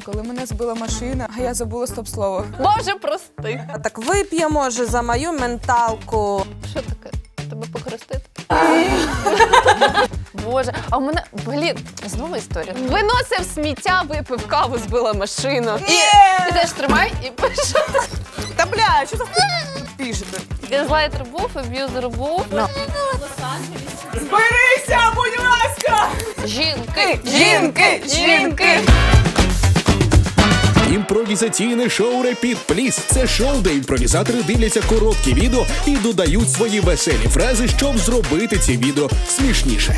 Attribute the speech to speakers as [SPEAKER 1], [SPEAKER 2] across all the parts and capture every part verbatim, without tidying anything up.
[SPEAKER 1] Коли мене збила машина, а я забула стоп-слово.
[SPEAKER 2] Боже, прости.
[SPEAKER 3] А так вип'є, може, за мою менталку.
[SPEAKER 2] Що таке? Тебе покрестити? Боже, а в мене, блін, знову історія. Виносив сміття, випив каву, збила машину. І ти теж тримай і пише.
[SPEAKER 1] Та бля, що за пишете?
[SPEAKER 2] Газлайтер був, аб'юзер був.
[SPEAKER 1] Зберися, будь ласка!
[SPEAKER 2] Жінки,
[SPEAKER 1] Жінки, жінки!
[SPEAKER 4] Імпровізаційне шоу «Репіт Пліс» – це шоу, де імпровізатори дивляться короткі відео і додають свої веселі фрази, щоб зробити ці відео смішніше.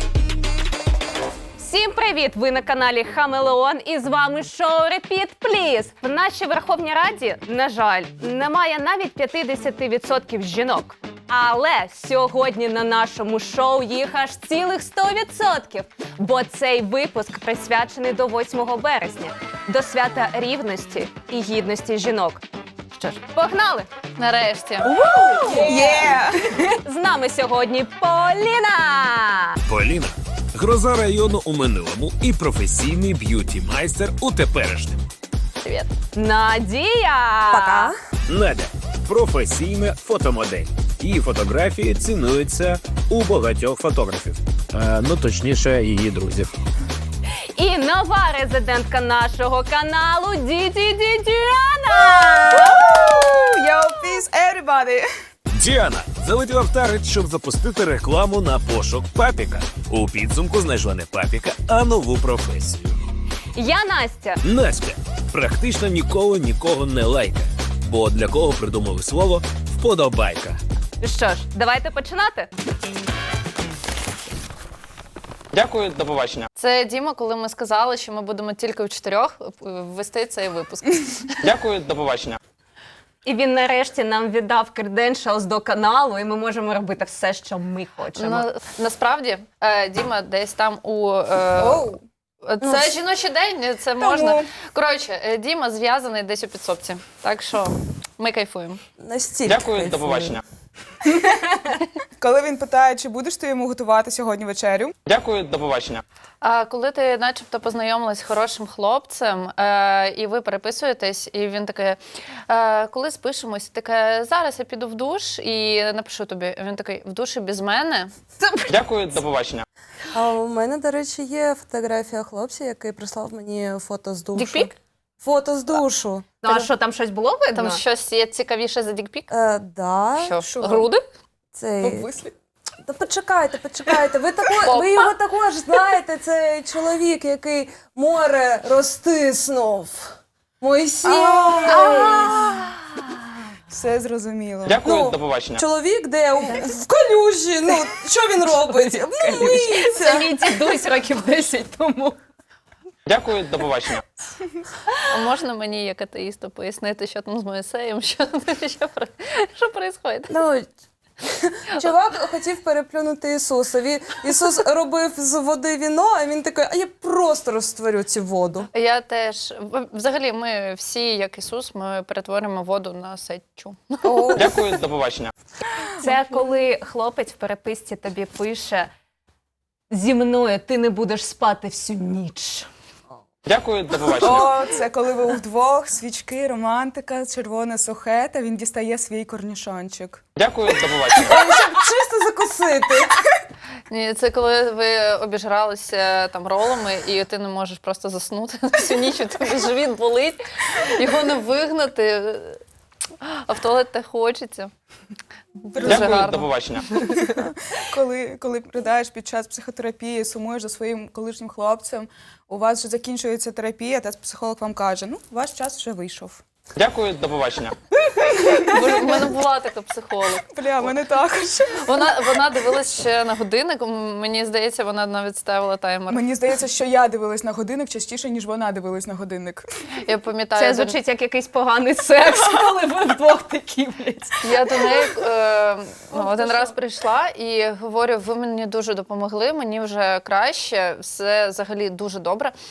[SPEAKER 2] Всім привіт! Ви на каналі Хамелеон і з вами шоу «Репіт Пліс». В нашій Верховній Раді, на жаль, немає навіть п'ятдесят відсотків жінок. Але сьогодні на нашому шоу їх аж цілих сто відсотків. Бо цей випуск присвячений до восьмого березня, до свята рівності і гідності жінок. Що ж, погнали! Нарешті!
[SPEAKER 1] Є!
[SPEAKER 2] З нами сьогодні Поліна!
[SPEAKER 5] Поліна – гроза району у минулому і професійний б'юті-майстер у теперішньому.
[SPEAKER 2] Привіт! Надія!
[SPEAKER 3] Пока.
[SPEAKER 5] Надя – професійна фотомодель. Її фотографії цінуються у багатьох фотографів. Е, ну, точніше, її друзів.
[SPEAKER 2] І нова резидентка нашого каналу Діді Діана!
[SPEAKER 1] Yo, peace, everybody!
[SPEAKER 5] Діана залетіла в таргет, щоб запустити рекламу на пошук папіка. У підсумку знайшла не папіка, а нову професію.
[SPEAKER 2] Я Настя.
[SPEAKER 5] Настя практично ніколи нікого не лайкає. Бо для кого придумали слово «вподобайка».
[SPEAKER 2] Що ж, давайте починати.
[SPEAKER 6] Дякую, до побачення.
[SPEAKER 7] Це Діма, коли ми сказали, що ми будемо тільки в чотирьох вести цей випуск.
[SPEAKER 6] Дякую, до побачення.
[SPEAKER 2] І він нарешті нам віддав credentials до каналу, і ми можемо робити все, що ми хочемо.
[SPEAKER 7] На, насправді, е, Діма десь там у... Е,
[SPEAKER 1] Оу.
[SPEAKER 7] Це жіночий день, це можна. Коротше, е, Діма зв'язаний десь у підсобці. Так що ми кайфуємо.
[SPEAKER 3] Настільки
[SPEAKER 6] Дякую,
[SPEAKER 3] кайфую.
[SPEAKER 6] до побачення.
[SPEAKER 1] Коли він питає, чи будеш ти йому готувати сьогодні вечерю?
[SPEAKER 6] Дякую, до побачення.
[SPEAKER 7] А коли ти начебто познайомилась з хорошим хлопцем, е, і ви переписуєтесь, і він такий, е, коли спишемось, таке, зараз я піду в душ і напишу тобі. Він такий, в душі без мене?
[SPEAKER 6] Дякую, до побачення.
[SPEAKER 3] А у мене, до речі, є фотографія хлопця, який прислав мені фото з душу.
[SPEAKER 7] Дікпік?
[SPEAKER 3] Фото з душу.
[SPEAKER 2] Ну, а що, там щось було видно?
[SPEAKER 7] Там щось є цікавіше за дікпік?
[SPEAKER 3] Е, да.
[SPEAKER 7] Що?
[SPEAKER 1] що?
[SPEAKER 7] Груди?
[SPEAKER 3] Цей...
[SPEAKER 1] Обвислі.
[SPEAKER 3] Та почекайте, почекайте. Ви, тако... Ви його також знаєте, це чоловік, який море розтиснув. Мойсій.
[SPEAKER 1] Все зрозуміло.
[SPEAKER 6] Дякую,
[SPEAKER 3] Ну,
[SPEAKER 6] до побачення.
[SPEAKER 3] Чоловік, де у- в калюжі, ну, що він робить? Ну,
[SPEAKER 2] Це
[SPEAKER 3] миється.
[SPEAKER 2] мій дідусь років десять тому.
[SPEAKER 6] Дякую, до побачення.
[SPEAKER 7] А можна мені, як атеїсту, пояснити, що там з Моїсеєм, що, що, про- що відбувається?
[SPEAKER 3] Ну, чувак хотів переплюнути Ісуса. Він- Ісус робив з води віно, а він такий, а я просто розтворю цю воду.
[SPEAKER 7] Я теж, взагалі, ми всі, як Ісус, ми перетворимо воду на сечу.
[SPEAKER 3] О,
[SPEAKER 6] Дякую, до побачення.
[SPEAKER 2] Це коли хлопець в переписці тобі пише «Зі мною ти не будеш спати всю ніч».
[SPEAKER 6] Дякую, до побачення.
[SPEAKER 1] О, це коли ви вдвох, свічки, романтика, червоне сухе, та він дістає свій корнішончик.
[SPEAKER 6] Дякую, до побачення.
[SPEAKER 3] щоб чисто закусити.
[SPEAKER 7] Ні, це коли ви обіжралися там ролами, і ти не можеш просто заснути всю ніч, у тебе живіт болить, його не вигнати, а в туалет те хочеться. Дуже
[SPEAKER 6] Дякую, до
[SPEAKER 7] гарно.
[SPEAKER 6] побачення.
[SPEAKER 1] Коли, коли придаєш під час психотерапії, сумуєш за своїм колишнім хлопцем, у вас вже закінчується терапія, та психолог вам каже, ну, ваш час вже вийшов.
[SPEAKER 6] Дякую, до побачення.
[SPEAKER 7] Боже, в мене була така психолог.
[SPEAKER 1] Бля, мене також.
[SPEAKER 7] Вона, вона дивилась ще на годинник, м, мені здається, вона навіть ставила таймер.
[SPEAKER 1] Мені здається, що я дивилась на годинник частіше, ніж вона дивилась на годинник.
[SPEAKER 7] Я пам'ятаю,
[SPEAKER 2] Це
[SPEAKER 7] до-
[SPEAKER 2] звучить як якийсь поганий секс, коли ви вдвох такі, блядь.
[SPEAKER 7] я до неї е, ну, один раз прийшла і говорю, ви мені дуже допомогли, мені вже краще, все взагалі дуже добре.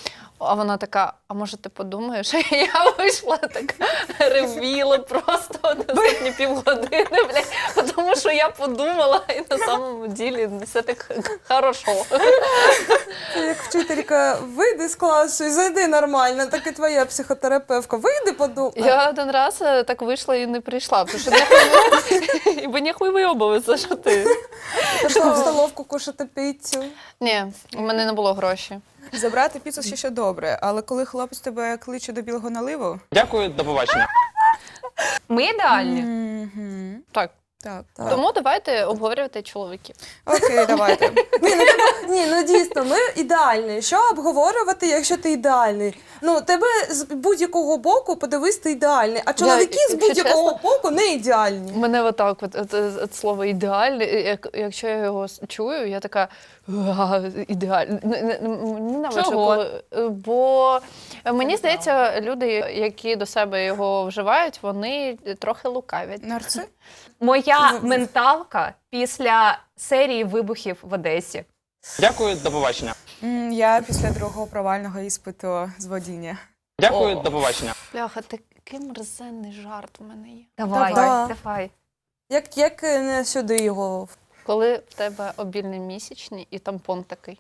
[SPEAKER 7] А вона така, а може ти подумаєш? Я вийшла така, ревіла просто наступні півгодини, блядь, тому що я подумала, і на самому ділі все так хорошо.
[SPEAKER 3] Це як вчителька, вийди з класу і зайди нормально, так і твоя психотерапевтка. Вийди, подумай.
[SPEAKER 7] Я один раз е, так вийшла і не прийшла, тому що нехуй, ібо нехуй вийобуватися, що ти.
[SPEAKER 3] Пішла в столовку кушати піцю.
[SPEAKER 7] Ні, у мене не було грошей.
[SPEAKER 1] Забрати піцу ще ще добре, але коли хлопець тебе кличе до білого наливу,
[SPEAKER 6] Дякую, до побачення.
[SPEAKER 2] Ми ідеальні.
[SPEAKER 1] мгм,
[SPEAKER 7] Так.
[SPEAKER 1] так.
[SPEAKER 3] Так.
[SPEAKER 7] Тому давайте обговорювати чоловіків.
[SPEAKER 1] Окей, давайте.
[SPEAKER 3] Ні, ну, тебе, ні, ну дійсно, ми ідеальні. Що обговорювати, якщо ти ідеальний? Ну, тебе з будь-якого боку подивись, ти ідеальний, а чоловіки з
[SPEAKER 7] якщо
[SPEAKER 3] будь-якого
[SPEAKER 7] чесно,
[SPEAKER 3] боку не ідеальні.
[SPEAKER 7] Мене отак, от, от, от, от слово ідеальний, як, якщо я його с- чую, я така ідеальний. Ненавиджу,
[SPEAKER 2] Чого?
[SPEAKER 7] коли. е, Бо мені здається, люди, які до себе його вживають, вони трохи лукавять.
[SPEAKER 1] Нарци?
[SPEAKER 2] Моя менталка після серії вибухів в Одесі.
[SPEAKER 6] Дякую, до побачення.
[SPEAKER 1] М, Я після другого провального іспиту з водіння.
[SPEAKER 6] Дякую,
[SPEAKER 7] О.
[SPEAKER 6] до побачення.
[SPEAKER 7] Бляха, такий мерзенний жарт у мене є.
[SPEAKER 2] Давай,
[SPEAKER 3] Давай.
[SPEAKER 2] давай.
[SPEAKER 3] Як, як не сюди його.
[SPEAKER 7] Коли в тебе обільний місячний і тампон такий.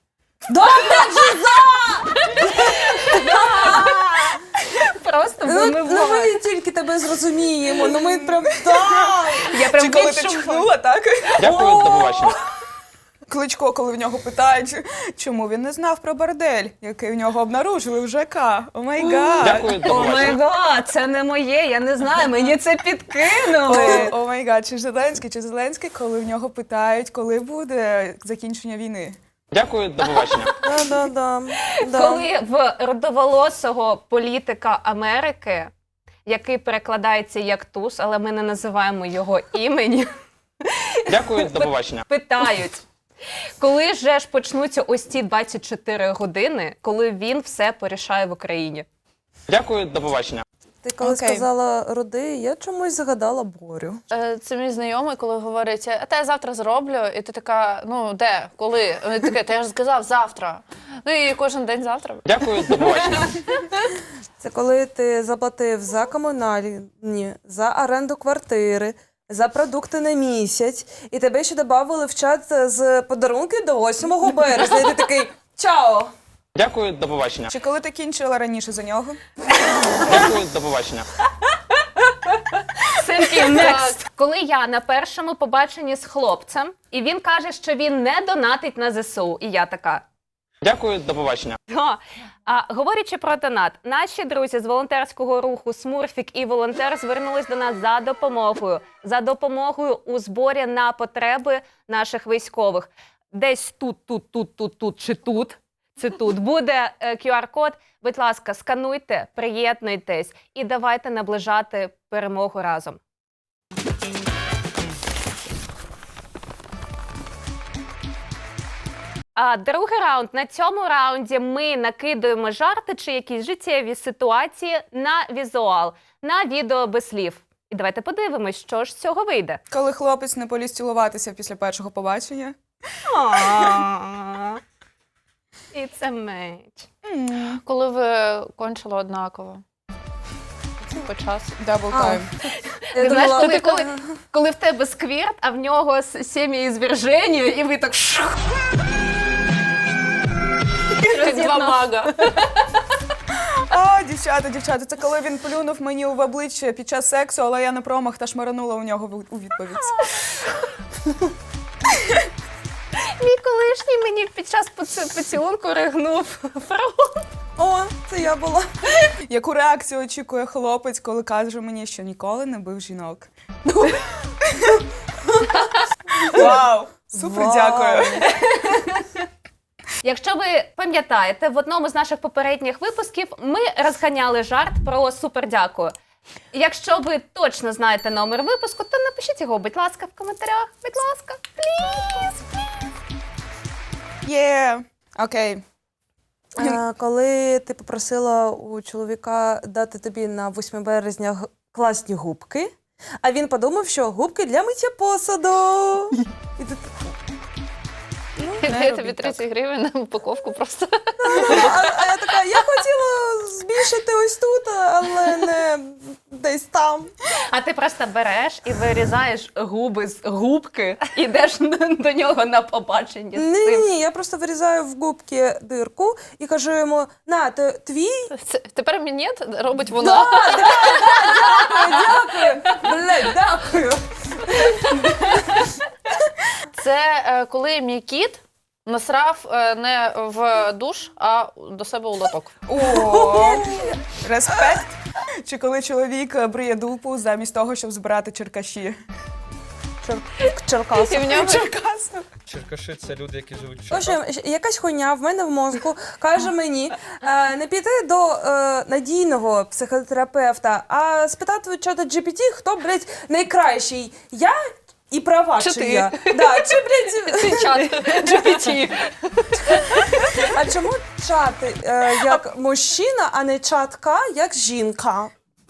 [SPEAKER 2] Просто
[SPEAKER 3] Ну, ну
[SPEAKER 2] вимивай.
[SPEAKER 3] ми тільки тебе зрозуміємо, ну ми прям так.
[SPEAKER 2] Я прям
[SPEAKER 1] Чи коли ти
[SPEAKER 2] відчуваю.
[SPEAKER 1] чхнула, так?
[SPEAKER 6] Дякую, до побачення.
[SPEAKER 1] Кличко, коли в нього питають, чому він не знав про бордель, який в нього обнаружили в ЖК. О май гад.
[SPEAKER 6] Дякую, до
[SPEAKER 2] О май
[SPEAKER 6] побачення.
[SPEAKER 2] гад, це не моє, я не знаю, мені це підкинули.
[SPEAKER 1] О май гад, чи Зеленський, чи Зеленський, коли в нього питають, коли буде закінчення війни.
[SPEAKER 6] Дякую, до побачення.
[SPEAKER 3] Да, да, да. Да.
[SPEAKER 2] Коли в родоволосого політика Америки, який перекладається як туз, але ми не називаємо його імені,
[SPEAKER 6] Дякую, до побачення.
[SPEAKER 2] питають, коли же ж почнуться ось ці двадцять чотири години, коли він все порішає в Україні?
[SPEAKER 6] Дякую, до побачення.
[SPEAKER 3] Ти коли
[SPEAKER 1] Окей.
[SPEAKER 3] сказала роди, я чомусь згадала Борю.
[SPEAKER 7] Е, Це мій знайомий, коли говорить, а те я завтра зроблю, і ти така, ну де, коли? Він таке, та я ж сказав завтра. Ну і кожен день завтра.
[SPEAKER 6] Дякую, до побачення.
[SPEAKER 3] Це коли ти заплатив за комунальні, за оренду квартири, за продукти на місяць, і тебе ще додали в чат з подарунки до восьмого березня. І ти такий чао!
[SPEAKER 6] Дякую, до побачення.
[SPEAKER 1] Чи коли ти кінчила раніше за нього?
[SPEAKER 6] Дякую, до побачення.
[SPEAKER 2] Синки, next. Коли я на першому побаченні з хлопцем, і він каже, що він не донатить на ЗСУ, і я така.
[SPEAKER 6] Дякую, до побачення.
[SPEAKER 2] «Га». А, говорячи про донат, наші друзі з волонтерського руху «Смурфік» і «Волонтер» звернулись до нас за допомогою. За допомогою у зборі на потреби наших військових. Десь тут, тут, тут, тут, тут чи тут. Це тут буде е, ку ар-код. Будь ласка, скануйте, приєднуйтесь і давайте наближати перемогу разом. А другий раунд. На цьому раунді ми накидуємо жарти чи якісь життєві ситуації на візуал, на відео без слів. І давайте подивимось, що ж з цього вийде.
[SPEAKER 1] Коли хлопець не поліз цілуватися після першого побачення.
[SPEAKER 2] It's a match.
[SPEAKER 7] Коли ви кончили однаково. По часу.
[SPEAKER 1] Дабл
[SPEAKER 3] А.
[SPEAKER 1] тайм.
[SPEAKER 3] Я
[SPEAKER 2] Ти знаєш,
[SPEAKER 3] думала,
[SPEAKER 2] коли, коли, коли в тебе сквірт, а в нього с- сім'єізверження, і ви так шух.
[SPEAKER 7] Два мага.
[SPEAKER 1] А, дівчата, дівчата, це коли він плюнув мені в обличчя під час сексу, але я на промах та шмаранула у нього в- у відповідь.
[SPEAKER 2] Мій колишній мені під час поці- поцілунку ригнув фрагу.
[SPEAKER 3] О, це я була.
[SPEAKER 1] Яку реакцію очікує хлопець, коли каже мені, що ніколи не бив жінок? Вау! Супер,
[SPEAKER 3] Вау.
[SPEAKER 1] дякую.
[SPEAKER 2] Якщо ви пам'ятаєте, в одному з наших попередніх випусків ми розганяли жарт про супердякую. Якщо ви точно знаєте номер випуску, то напишіть його, будь ласка, в коментарях. Будь ласка, пліз.
[SPEAKER 1] Є. Окей.
[SPEAKER 3] А, коли ти попросила у чоловіка дати тобі на восьме березня г- класні губки, а він подумав, що губки для миття посуду. І ти... Ну,
[SPEAKER 7] Дає тобі
[SPEAKER 1] робіть
[SPEAKER 7] тридцять гривень на упаковку просто.
[SPEAKER 3] А, а я така, я хотіла збільшити ось тут, але не десь там.
[SPEAKER 2] А ти просто береш і вирізаєш губи з губки, і йдеш до нього на побачення з
[SPEAKER 3] Ні,
[SPEAKER 2] цим.
[SPEAKER 3] ні, я просто вирізаю в губки дирку і кажу йому, на, ти, твій?
[SPEAKER 7] Це, тепер мінет робить вона.
[SPEAKER 3] Дякую, блядь, дякую.
[SPEAKER 7] Це е, коли мій кіт насрав е, не в душ, а до себе у лоток.
[SPEAKER 1] О, респект. Чи коли чоловік бриє дупу замість того, щоб збирати черкаші?
[SPEAKER 3] В Черкасах.
[SPEAKER 7] І в нього
[SPEAKER 1] Черкаси.
[SPEAKER 8] Черкаши це люди, які живуть в
[SPEAKER 3] В общем,
[SPEAKER 8] Черкасах.
[SPEAKER 3] якась хуйня в мене в мозку каже мені е, не піти до е, надійного психотерапевта, а спитати у чата джі пі ті, хто, блядь, найкращий. Я і права,
[SPEAKER 7] Чи
[SPEAKER 3] чи
[SPEAKER 7] ти?
[SPEAKER 3] я. Да, чи, блядь,
[SPEAKER 7] цей чат джі пі ті.
[SPEAKER 3] а чому чат е, як мужчина, а не чатка як жінка?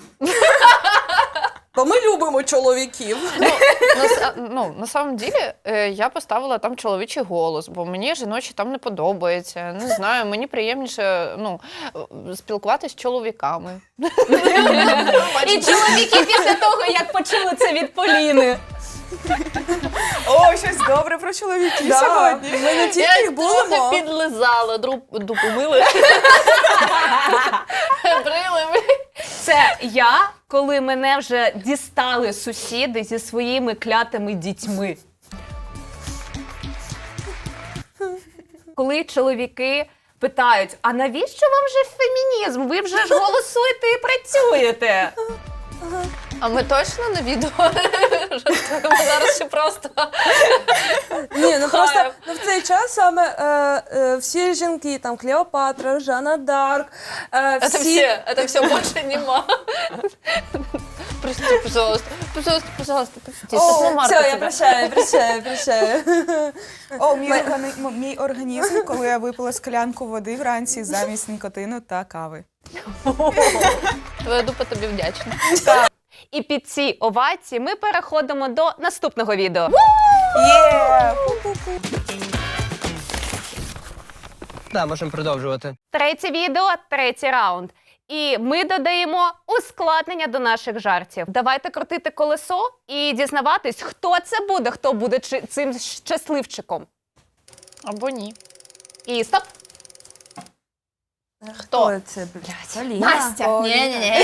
[SPEAKER 3] Бо ми любимо чоловіків.
[SPEAKER 7] На, с- ну, на самом ділі, е, я поставила там чоловічий голос, бо мені жіночі там не подобається. Не знаю, мені приємніше ну, е, спілкуватися з чоловіками.
[SPEAKER 2] І чоловіки після того, як почули це від Поліни.
[SPEAKER 1] О, щось добре про чоловіків
[SPEAKER 3] Да,
[SPEAKER 1] сьогодні.
[SPEAKER 3] ми не
[SPEAKER 7] Я
[SPEAKER 3] тільки
[SPEAKER 7] їх
[SPEAKER 3] будемо.
[SPEAKER 7] трохи підлизала, дру- дупу мили. Брили ми.
[SPEAKER 2] Це я, коли мене вже дістали сусіди зі своїми клятими дітьми. Коли чоловіки питають, а навіщо вам же фемінізм? Ви вже ж голосуєте і працюєте.
[SPEAKER 7] А ми точно на відео жартуємо зараз чи просто?
[SPEAKER 3] Ні, ну
[SPEAKER 7] Хайп.
[SPEAKER 3] просто ну, в цей час саме е, е, всі жінки, там Клеопатра, Жанна Дарк, е,
[SPEAKER 7] Это
[SPEAKER 3] всі...
[SPEAKER 7] все, это все, больше нема. Прости, пожалуйста, пожалуйста, пожалуйста, прости.
[SPEAKER 3] О,
[SPEAKER 7] Світлана
[SPEAKER 3] все,
[SPEAKER 7] Марка
[SPEAKER 3] я
[SPEAKER 7] тебе.
[SPEAKER 3] прощаю, прощаю, прощаю.
[SPEAKER 1] О, мій, органи... м- мій організм, коли я випила склянку води вранці замість нікотину та кави.
[SPEAKER 7] Твоя дупа тобі вдячна.
[SPEAKER 2] І під ці овації ми переходимо до наступного відео.
[SPEAKER 1] Є!
[SPEAKER 9] Да, можемо продовжувати.
[SPEAKER 2] Третє відео, третій раунд. І ми додаємо ускладнення до наших жартів. Давайте крутити колесо і дізнаватись, хто це буде, хто буде чи- цим щасливчиком.
[SPEAKER 7] Або ні.
[SPEAKER 2] І стоп!
[SPEAKER 3] Хто це, блядь? Поліна.
[SPEAKER 2] Настя!
[SPEAKER 7] Ні-ні-ні.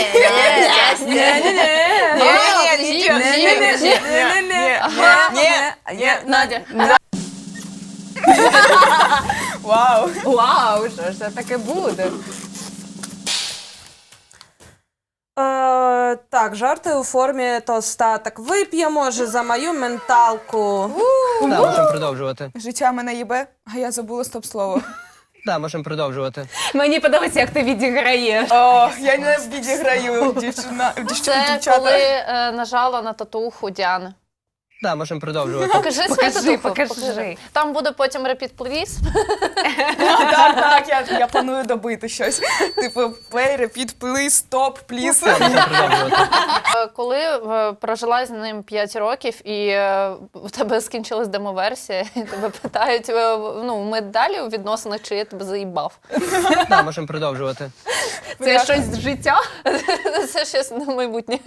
[SPEAKER 1] Ні,
[SPEAKER 7] Надя.
[SPEAKER 1] вау!
[SPEAKER 2] Вау, що ж це таке буде?
[SPEAKER 3] Е, так, жарти у формі тоста. Так вип'ємо, може, за мою менталку.
[SPEAKER 9] Да, можемо продовжувати.
[SPEAKER 1] Життя мене їбе, а я забула стоп-слово.
[SPEAKER 9] Да, можемо продовжувати.
[SPEAKER 2] Мені подобається, як ти відіграєш.
[SPEAKER 1] О, я не відіграю, дівчина, дівч-
[SPEAKER 7] Це
[SPEAKER 1] дівчата.
[SPEAKER 7] коли е, нажала на татуху Діани.
[SPEAKER 9] Да, можемо продовжувати.
[SPEAKER 7] Покажи свою
[SPEAKER 2] Покажи,
[SPEAKER 7] татуху.
[SPEAKER 2] покажи.
[SPEAKER 7] Там буде потім repeat please.
[SPEAKER 1] Так, так, я, я планую добити щось. Типу, play, repeat, please, stop, please.
[SPEAKER 9] Да, можемо продовжувати.
[SPEAKER 7] Е, Коли е, прожила з ним п'ять років і е, в тебе скінчилась демоверсія, і тебе питають, е, ну, ми далі у відносинах, чи я тебе заїбав?
[SPEAKER 9] Да, можемо продовжувати.
[SPEAKER 2] Це щось з життя?
[SPEAKER 7] Це щось на майбутнє.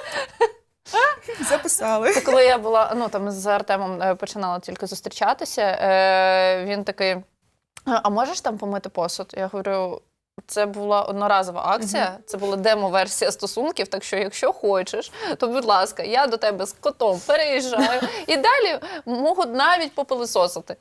[SPEAKER 1] Записали.
[SPEAKER 7] Це коли я була, ну там з Артемом е, починала тільки зустрічатися, е, він такий, а можеш там помити посуд? Я говорю, це була одноразова акція, це була демо-версія стосунків, так що якщо хочеш, то, будь ласка, я до тебе з котом переїжджаю і далі можуть навіть попилисосити.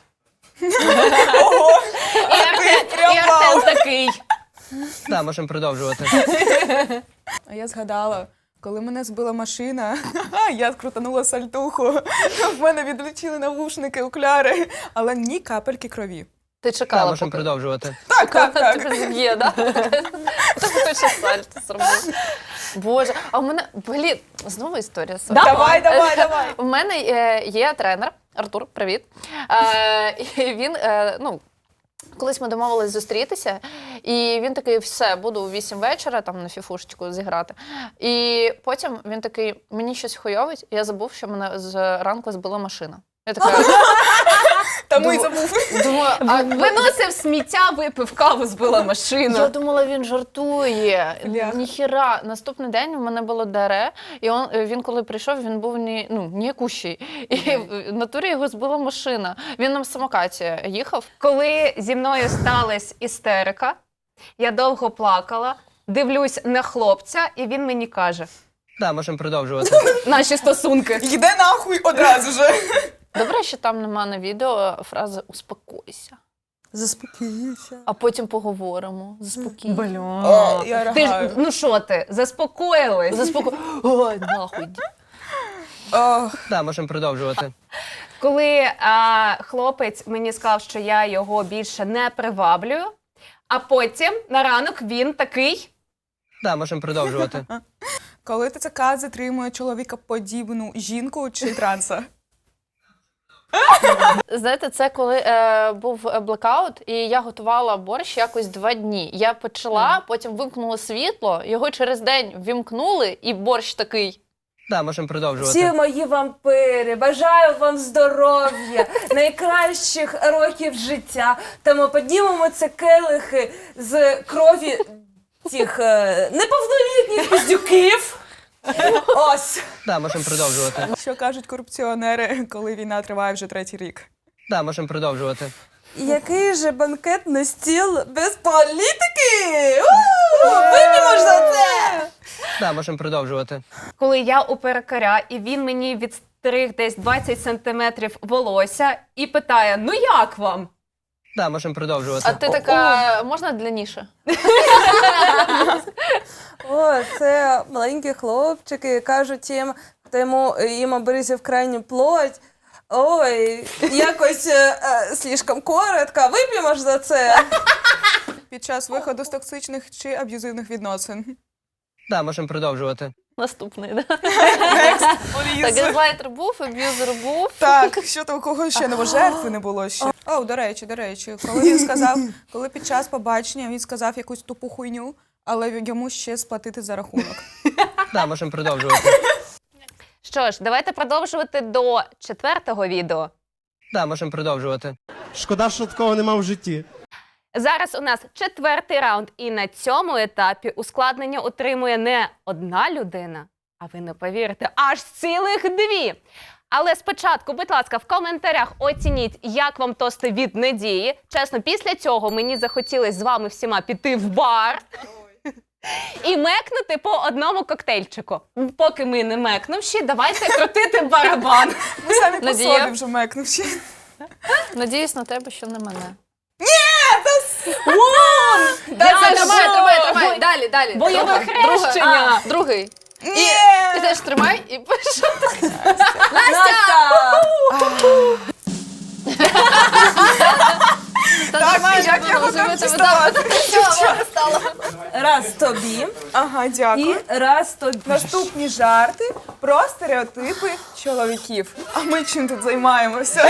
[SPEAKER 1] Ого!
[SPEAKER 2] І Артем, і Артем такий.
[SPEAKER 9] Да, можемо продовжувати.
[SPEAKER 1] А я згадала, коли мене збила машина, я крутанула сальтуху, в мене відлетіли навушники, окуляри, але ні капельки крові.
[SPEAKER 7] Ти
[SPEAKER 9] Да,
[SPEAKER 7] чекала,
[SPEAKER 9] можемо
[SPEAKER 7] поки
[SPEAKER 9] продовжувати.
[SPEAKER 1] Так, так, так.
[SPEAKER 7] тебе зіб'є, да? Так точно сальто зробив. Боже, а в мене, блін, знову історія. з собою.
[SPEAKER 1] Давай, давай, давай.
[SPEAKER 7] У мене е, є тренер, Артур, привіт. Е, і він, е, ну, колись ми домовились зустрітися, і він такий, все, буду у вісім вечора там на фіфушечку зіграти. І потім він такий, мені щось хуйовить, я забув, що мене з ранку збила машина. Я така,
[SPEAKER 1] Тому й забув.
[SPEAKER 7] думаю, а
[SPEAKER 2] Виносив сміття, випив каву, збила машину.
[SPEAKER 7] я думала, він жартує.
[SPEAKER 1] Бляха.
[SPEAKER 7] Ніхіра. Наступний день у мене було дере, і он, він коли прийшов, він був ні, ну, ніякущий. І в натурі його збила машина. Він на самокаті їхав.
[SPEAKER 2] Коли зі мною сталася істерика, я довго плакала, дивлюсь на хлопця, і він мені каже:
[SPEAKER 9] Да, можемо продовжувати.
[SPEAKER 2] наші стосунки.
[SPEAKER 1] Йде нахуй одразу же.
[SPEAKER 7] Добре, що там нема на відео фрази «успокойся»,
[SPEAKER 3] Заспокійся.
[SPEAKER 7] а потім поговоримо. Заспокійся.
[SPEAKER 1] О, я
[SPEAKER 2] Ти ж,
[SPEAKER 1] ригаю.
[SPEAKER 2] ну що ти, заспокоїлась?
[SPEAKER 7] Заспокой. Ой, нахуй.
[SPEAKER 1] Ох,
[SPEAKER 9] Да, можемо продовжувати.
[SPEAKER 2] Коли а, хлопець мені сказав, що я його більше не приваблюю, а потім на ранок він такий:
[SPEAKER 9] Да, можемо продовжувати.
[SPEAKER 1] коли ТЦК затримує чоловікоподібну жінку чи транса?
[SPEAKER 7] Знаєте, це коли е, був блекаут, і я готувала борщ якось два дні. Я почала, потім вимкнула світло, його через день вімкнули, і борщ такий.
[SPEAKER 9] Да, можемо
[SPEAKER 3] Всі
[SPEAKER 9] продовжувати.
[SPEAKER 3] мої вампири, бажаю вам здоров'я, найкращих років життя. Тому піднімемо це келихи з крові тих е, неповнолітніх піздюків. Ось.
[SPEAKER 9] Да, можемо продовжувати.
[SPEAKER 1] Що кажуть корупціонери, коли війна триває вже третій рік?
[SPEAKER 9] Да, можемо продовжувати.
[SPEAKER 3] Який же банкетний стіл без політики? У, Вип'ємо ж за це!
[SPEAKER 9] Да, можемо продовжувати.
[SPEAKER 2] коли я у перукаря, і він мені відстриг десь двадцять сантиметрів волосся і питає: ну як вам?
[SPEAKER 9] Да, можемо продовжувати.
[SPEAKER 7] А ти така, можна длинніше?
[SPEAKER 3] О, це маленькі хлопчики, кажуть їм, хто йому, їм обрізав крайню плоть. Ой, якось е, е, слишком коротко, вип'ємо ж за це.
[SPEAKER 1] Під час виходу з токсичних чи аб'юзивних відносин?
[SPEAKER 9] Да, можемо продовжувати.
[SPEAKER 7] Наступний, да?
[SPEAKER 1] Next,
[SPEAKER 7] Так,
[SPEAKER 1] please.
[SPEAKER 7] газлайтер був, аб'юзер був.
[SPEAKER 1] Так, що то у кого ще не було? Жертви не було ще. О, до речі, до речі, коли він сказав, коли під час побачення він сказав якусь тупу хуйню, але йому ще сплатити за рахунок.
[SPEAKER 9] Да, можемо продовжувати.
[SPEAKER 2] Що ж, давайте продовжувати до четвертого відео.
[SPEAKER 9] Да, можемо продовжувати.
[SPEAKER 10] Шкода, що такого нема в житті.
[SPEAKER 2] Зараз у нас четвертий раунд, і на цьому етапі ускладнення отримує не одна людина, а ви не повірите, аж цілих дві. Але спочатку, будь ласка, в коментарях оцініть, як вам тости від Надії. Чесно, після цього мені захотілося з вами всіма піти в бар і мекнути по одному коктейльчику. Поки ми не мекнувші, давайте крутити барабан.
[SPEAKER 1] Ми самі по
[SPEAKER 7] Надія?
[SPEAKER 1] собі вже мекнувши.
[SPEAKER 7] Надіюсь на тебе, що не мене.
[SPEAKER 2] Я
[SPEAKER 7] Тримай,
[SPEAKER 2] що?
[SPEAKER 7] тримай, тримай. Далі, далі.
[SPEAKER 2] Бойове
[SPEAKER 7] Друга, друга.
[SPEAKER 2] хрещення.
[SPEAKER 7] А, другий.
[SPEAKER 1] Ні!
[SPEAKER 7] Ти теж тримай і пиши.
[SPEAKER 3] Настя!
[SPEAKER 7] Та
[SPEAKER 1] Так,
[SPEAKER 7] тримай,
[SPEAKER 1] як я
[SPEAKER 7] можна
[SPEAKER 1] готова
[SPEAKER 7] живити,
[SPEAKER 1] діставати?
[SPEAKER 3] Раз тобі
[SPEAKER 1] Ага,
[SPEAKER 3] і
[SPEAKER 1] дякую.
[SPEAKER 3] раз тобі.
[SPEAKER 1] Наступні жарти про стереотипи чоловіків. А ми чим тут займаємося?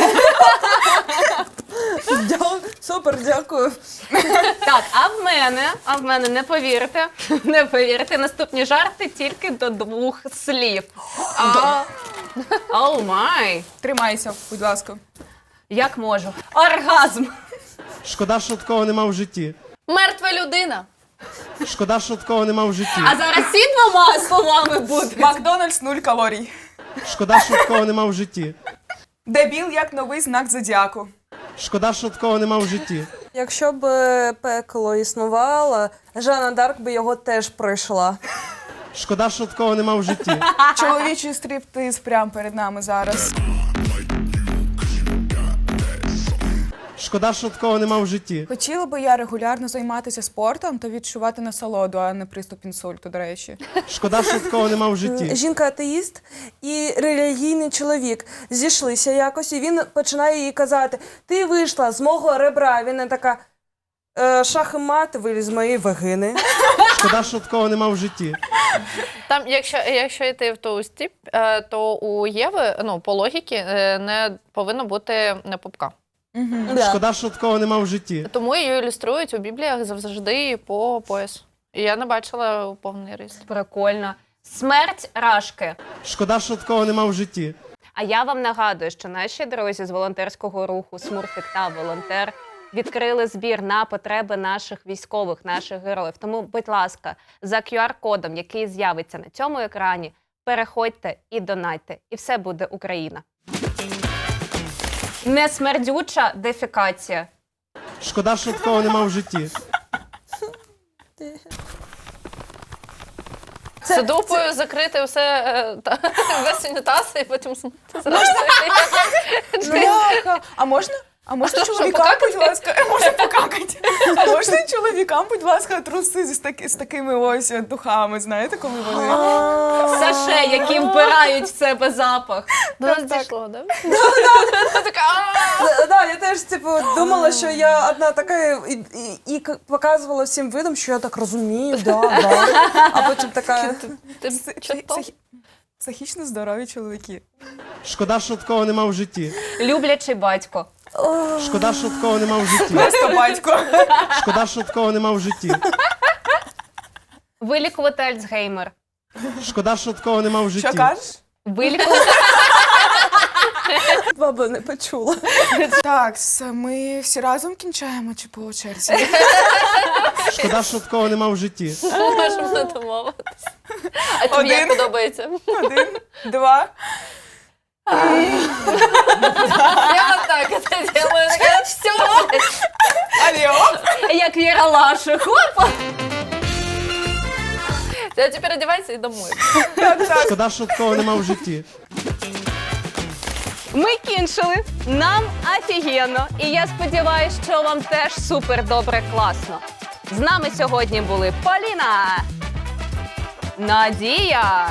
[SPEAKER 3] Дя- Супер, дякую.
[SPEAKER 2] Так, а в мене, а в мене, не повірите, не повірите, наступні жарти тільки до двох слів. А, Оу май!
[SPEAKER 1] Тримайся, будь ласка.
[SPEAKER 2] Як можу? Оргазм!
[SPEAKER 10] Шкода, що такого нема в житті.
[SPEAKER 7] Мертва людина.
[SPEAKER 10] Шкода, що такого нема в житті.
[SPEAKER 2] А зараз ці двома словами буде.
[SPEAKER 1] Макдональдс нуль калорій.
[SPEAKER 10] Шкода, що такого нема в житті.
[SPEAKER 1] Дебіл як новий знак зодіаку.
[SPEAKER 10] Шкода, що такого нема в житті.
[SPEAKER 3] Якщо б е, пекло існувало, Жанна Дарк би його теж пройшла.
[SPEAKER 10] Шкода, що такого нема в житті.
[SPEAKER 1] Чоловічий стриптиз прямо перед нами зараз.
[SPEAKER 10] Шкода, що такого нема в житті.
[SPEAKER 1] Хотіла би я регулярно займатися спортом та відчувати насолоду, а не приступ інсульту, до речі.
[SPEAKER 10] Шкода, що такого нема в житті.
[SPEAKER 3] Жінка-атеїст і релігійний чоловік зійшлися якось, і він починає їй казати: ти вийшла з мого ребра. Він не така: е, шах і мат виліз з моєї вагини.
[SPEAKER 10] Шкода, що такого нема в житті.
[SPEAKER 7] Там, якщо, якщо йти в ту стіп, е, то у Єви, ну, по логіці, е, не повинно бути не пупка.
[SPEAKER 3] Да.
[SPEAKER 10] Шкода, що такого нема в житті.
[SPEAKER 7] Тому її ілюструють у Бібліях завжди по пояс. І я не бачила повний ріст.
[SPEAKER 2] Прикольно. Смерть Рашки.
[SPEAKER 10] Шкода, що такого нема в житті.
[SPEAKER 2] А я вам нагадую, що наші друзі з волонтерського руху «Смурфік» та «Волонтер» відкрили збір на потреби наших військових, наших героїв. Тому, будь ласка, за ку ар-кодом, який з'явиться на цьому екрані, переходьте і донайте. І все буде Україна. Несмердюча дефекація.
[SPEAKER 10] Шкода, що такого нема в житті.
[SPEAKER 7] Це дупою закрити все, е, та, весь унітаз і потім смити зразу.
[SPEAKER 1] Бляха. А можна? А можна
[SPEAKER 7] що,
[SPEAKER 1] чоловікам,
[SPEAKER 7] покакати?
[SPEAKER 1] будь ласка, можна покакати. А можна чоловікам, будь ласка, труси з, таки, з такими ось духами, знаєте, коли вони...
[SPEAKER 2] Саше, які вбирають в себе запах.
[SPEAKER 7] До нас дійшло, да?
[SPEAKER 3] Да, да, я теж типу думала, що я одна така і, і, і к- показувала всім видом, що я так розумію, да, да. А потім така.
[SPEAKER 7] Ти
[SPEAKER 1] Психі-
[SPEAKER 7] чого?
[SPEAKER 1] психі- Психічно здорові чоловіки.
[SPEAKER 10] Шкода, що такого нема в житті.
[SPEAKER 2] Люблячий батько.
[SPEAKER 10] Шкода, що такого нема в житті.
[SPEAKER 1] Просто батько.
[SPEAKER 10] Шкода, що такого нема в житті.
[SPEAKER 2] Вилікувати Альцгеймер.
[SPEAKER 10] Шкода, що такого нема в житті.
[SPEAKER 1] Що кажеш?
[SPEAKER 2] Вилікувати...
[SPEAKER 3] Баба не почула.
[SPEAKER 1] Так, с- ми всі разом кінчаємо чи по черзі?
[SPEAKER 10] Шкода, що такого нема в житті.
[SPEAKER 7] Можемо не домовитися. А тобі як
[SPEAKER 1] Один.
[SPEAKER 7] подобається?
[SPEAKER 1] Один, два.
[SPEAKER 7] Я отак це делаю. Така, все.
[SPEAKER 1] Алло.
[SPEAKER 2] Як Віра Лаша. Хопа!
[SPEAKER 7] Я тепер одягайся і домой.
[SPEAKER 1] Так, так.
[SPEAKER 10] Шкода, що такого нема в житті.
[SPEAKER 2] Ми кінчили. Нам офігенно. І я сподіваюся, що вам теж супер добре, класно. З нами сьогодні були Поліна, Надія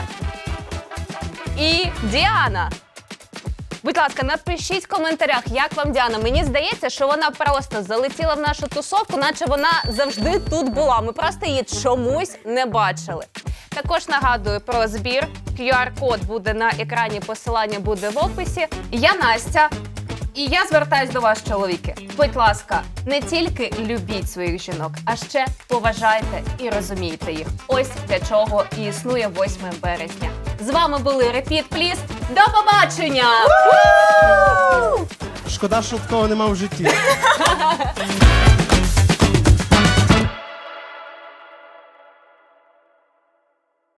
[SPEAKER 2] і Діана. Будь ласка, напишіть в коментарях, як вам Діана. Мені здається, що вона просто залетіла в нашу тусовку, наче вона завжди тут була. Ми просто її чомусь не бачили. Також нагадую про збір. ку ар-код буде на екрані, посилання буде в описі. Я Настя. І я звертаюсь до вас, чоловіки. Будь ласка, не тільки любіть своїх жінок, а ще поважайте і розумійте їх. Ось для чого і існує восьме березня. З вами були Repeat Please. До побачення!
[SPEAKER 10] Шкода, що такого нема в житті.